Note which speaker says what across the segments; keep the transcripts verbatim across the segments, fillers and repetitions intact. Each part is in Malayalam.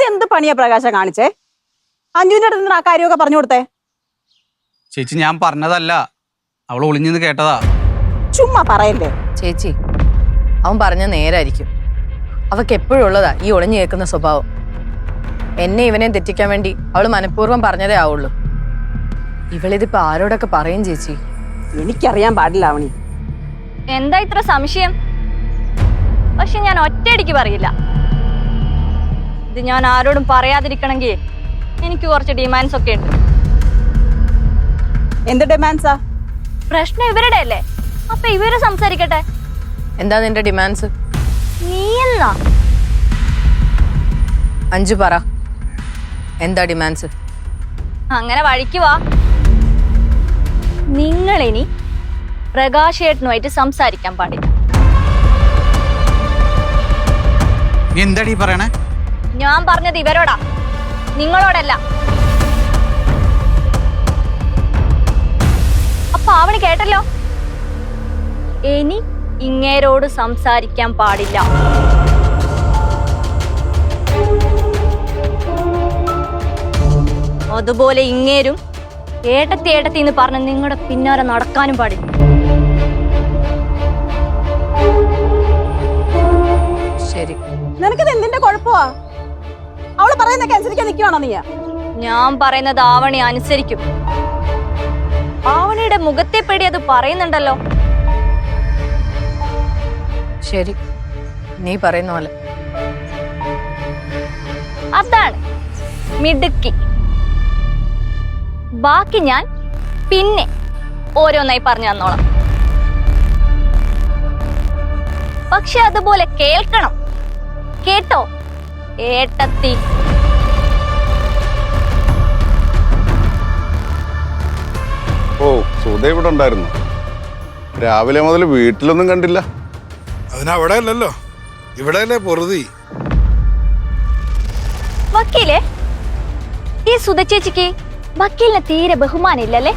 Speaker 1: എന്ത് പണിയാ പ്രകാശം കാണിച്ചേ? അഞ്ജുവിന്റെ അടുത്ത് ആ കാര്യമൊക്കെ പറഞ്ഞു കൊടുത്തേ.
Speaker 2: ചേച്ചി ഞാൻ പറഞ്ഞതല്ല, അവൾ ഒളിഞ്ഞെന്ന് കേട്ടതാ.
Speaker 1: ചുമ്മാ പറയല്ലേ
Speaker 3: ചേച്ചി. അവൻ പറഞ്ഞ നേരായിരിക്കും. അവക്ക് എപ്പോഴും ഉള്ളതാ ഈ ഒളിഞ്ഞു കേൾക്കുന്ന സ്വഭാവം. എന്നെ ഇവനെ തെറ്റിക്കാൻ വേണ്ടി അവള് മനഃപൂർവ്വം പറഞ്ഞതേ ആവുള്ളൂ. ഇവളിതിപ്പോ ആരോടൊക്കെ പറയും ചേച്ചി?
Speaker 1: എനിക്കറിയാൻ പാടില്ല അവണി.
Speaker 4: എന്താ ഇത്ര സംശയം? പക്ഷെ ഞാൻ ഒറ്റയടിക്ക് പറയില്ല. ഇത് ഞാൻ ആരോടും പറയാതിരിക്കണമെങ്കിൽ എനിക്ക് കുറച്ച് ഡിമാൻഡ്സ് ഒക്കെ ഉണ്ട്.
Speaker 1: എന്ത് ഡിമാൻഡ്സാ?
Speaker 4: പ്രശ്നം ഇവരുടെ അല്ലേ, അപ്പൊ ഇവര് സംസാരിക്കട്ടെ.
Speaker 3: എന്താ നിന്റെ ഡിമാൻഡ്സ്?
Speaker 4: നീ എന്നാ
Speaker 3: അഞ്ചു പറ, എന്താ ഡിമാൻഡ്സ്?
Speaker 4: അങ്ങനെ വഴിക്ക് വാ. നിങ്ങൾ ഇനി പ്രകാശേട്ടനുമായിട്ട് സംസാരിക്കാൻ പാടില്ല.
Speaker 2: എന്താടി പറയണേ?
Speaker 4: ഞാൻ പറഞ്ഞത് ഇവരോടാ, നിങ്ങളോടല്ല. അപ്പൊ അവന് കേട്ടല്ലോ, ഇനി ഇങ്ങേരോട് സംസാരിക്കാൻ പാടില്ല. അതുപോലെ ഇങ്ങേരും ഏട്ടത്തി ഏട്ടത്തി എന്ന് പറഞ്ഞ് നിങ്ങളുടെ പിന്നാലെ നടക്കാനും പാടില്ല.
Speaker 3: ശരി.
Speaker 1: നിനക്കിത് എന്തിന്റെ കുഴപ്പമാ? അവള് പറയുന്നൊക്കെ അനുസരിക്കാൻ നിൽക്കുവാണോ നീ?
Speaker 4: ഞാൻ പറയുന്നത് ആവണി അനുസരിക്കും. ആവണിയുടെ മുഖത്തെ പേടി അത് പറയുന്നുണ്ടല്ലോ.
Speaker 3: ശരി, നീ പറയുന്ന പോലെ.
Speaker 4: അതാണ് മിടുക്കി. ബാക്കി ഞാൻ പിന്നെ ഓരോന്നായി പറഞ്ഞു തന്നോളാം. പക്ഷെ അതുപോലെ കേൾക്കണം, കേട്ടോ ഏട്ടത്തി?
Speaker 5: ഓ, സുധ ഇവിടെ ഉണ്ടായിരുന്നു. രാവിലെ മുതൽ വീട്ടിലൊന്നും കണ്ടില്ല.
Speaker 6: അതിനവിടെ അല്ലല്ലോ, ഇവിടെ അല്ലേ പൊറുതി.
Speaker 4: വക്കീലേ, ഈ സുധ ചേച്ചിക്ക് വക്കീലിനെ തീരെ ബഹുമാനം ഇല്ലല്ലേ?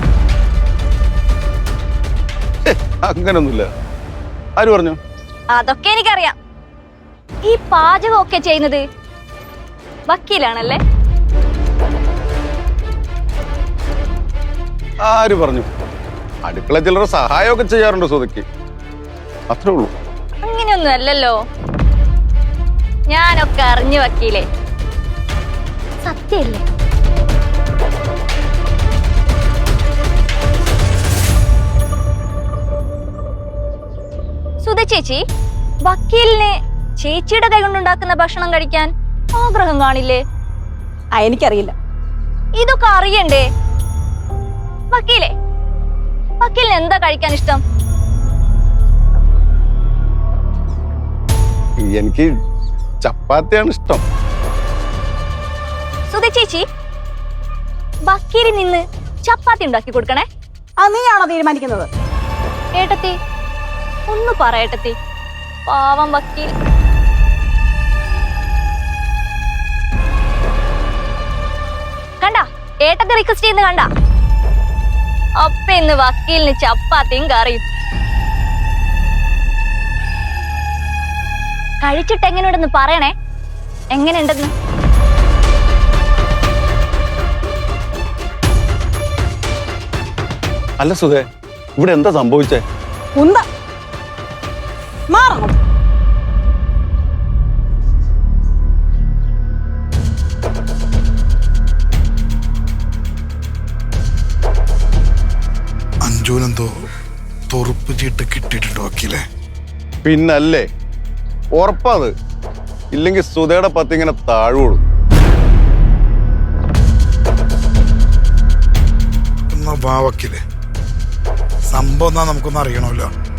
Speaker 5: അങ്ങനൊന്നുമില്ല. ആര് പറഞ്ഞു?
Speaker 4: അതൊക്കെ എനിക്കറിയാം. ഈ പാചകമൊക്കെ ചെയ്യുന്നത് വക്കീലാണല്ലേ?
Speaker 5: ആര് പറഞ്ഞു? അടുക്കള ചിലർ സഹായമൊക്കെ ചെയ്യാറുണ്ട് സുധയ്ക്ക്, അത്രേ ഉള്ളൂ.
Speaker 4: അങ്ങനെയൊന്നും അല്ലല്ലോ. ഞാനൊക്കെ അറിഞ്ഞു വക്കീലേ, സത്യല്ലേ? സുധ ചേച്ചി, വക്കീലിന് ചേച്ചിയുടെ കൈ കൊണ്ടുണ്ടാക്കുന്ന ഭക്ഷണം കഴിക്കാൻ ആഗ്രഹം കാണില്ലേ?
Speaker 1: ആ, എനിക്കറിയില്ല.
Speaker 4: ഇതൊക്കെ അറിയണ്ടേ വക്കീലേ? വക്കീലിന് എന്താ കഴിക്കാൻ ഇഷ്ടം?
Speaker 5: എനിക്ക് ചപ്പാത്തിയാണ് ഇഷ്ടം.
Speaker 4: സുധ ചേച്ചി, വക്കീലിൽ നിന്ന് ചപ്പാത്തി ഉണ്ടാക്കി കൊടുക്കണേ.
Speaker 1: ആ, നീയാണോ തീരുമാനിക്കുന്നത്?
Speaker 4: ഏട്ടത്തി ഒന്ന് പറയട്ടത്തി, പാവം വക്കീൽ. കണ്ട ഏട്ടത്തി റിക്വസ്റ്റ് ചെയ്യുന്ന കണ്ട? അപ്പ ഇന്ന് വക്കീലിന് ചപ്പാത്തിയും കറിയും. കഴിച്ചിട്ട് എങ്ങനെയുണ്ടെന്ന് പറയണേ, എങ്ങനെയുണ്ടെന്ന്.
Speaker 5: അല്ല സുധേ, ഇവിടെ എന്താ സംഭവിച്ചേ?
Speaker 1: ഉന്ത മാറണം.
Speaker 6: അഞ്ജുനെന്തോ തൊറുപ്പ് ചീട്ട് കിട്ടിയിട്ടുണ്ടോ വക്കീലെ?
Speaker 5: പിന്നല്ലേ, ഉറപ്പാത്. ഇല്ലെങ്കിൽ സുധയുടെ പത്തിങ്ങനെ താഴുള്ളൂ.
Speaker 6: എന്നാ വാ വക്കീലെ, സംഭവം എന്നാ നമുക്കൊന്ന് അറിയണമല്ലോ.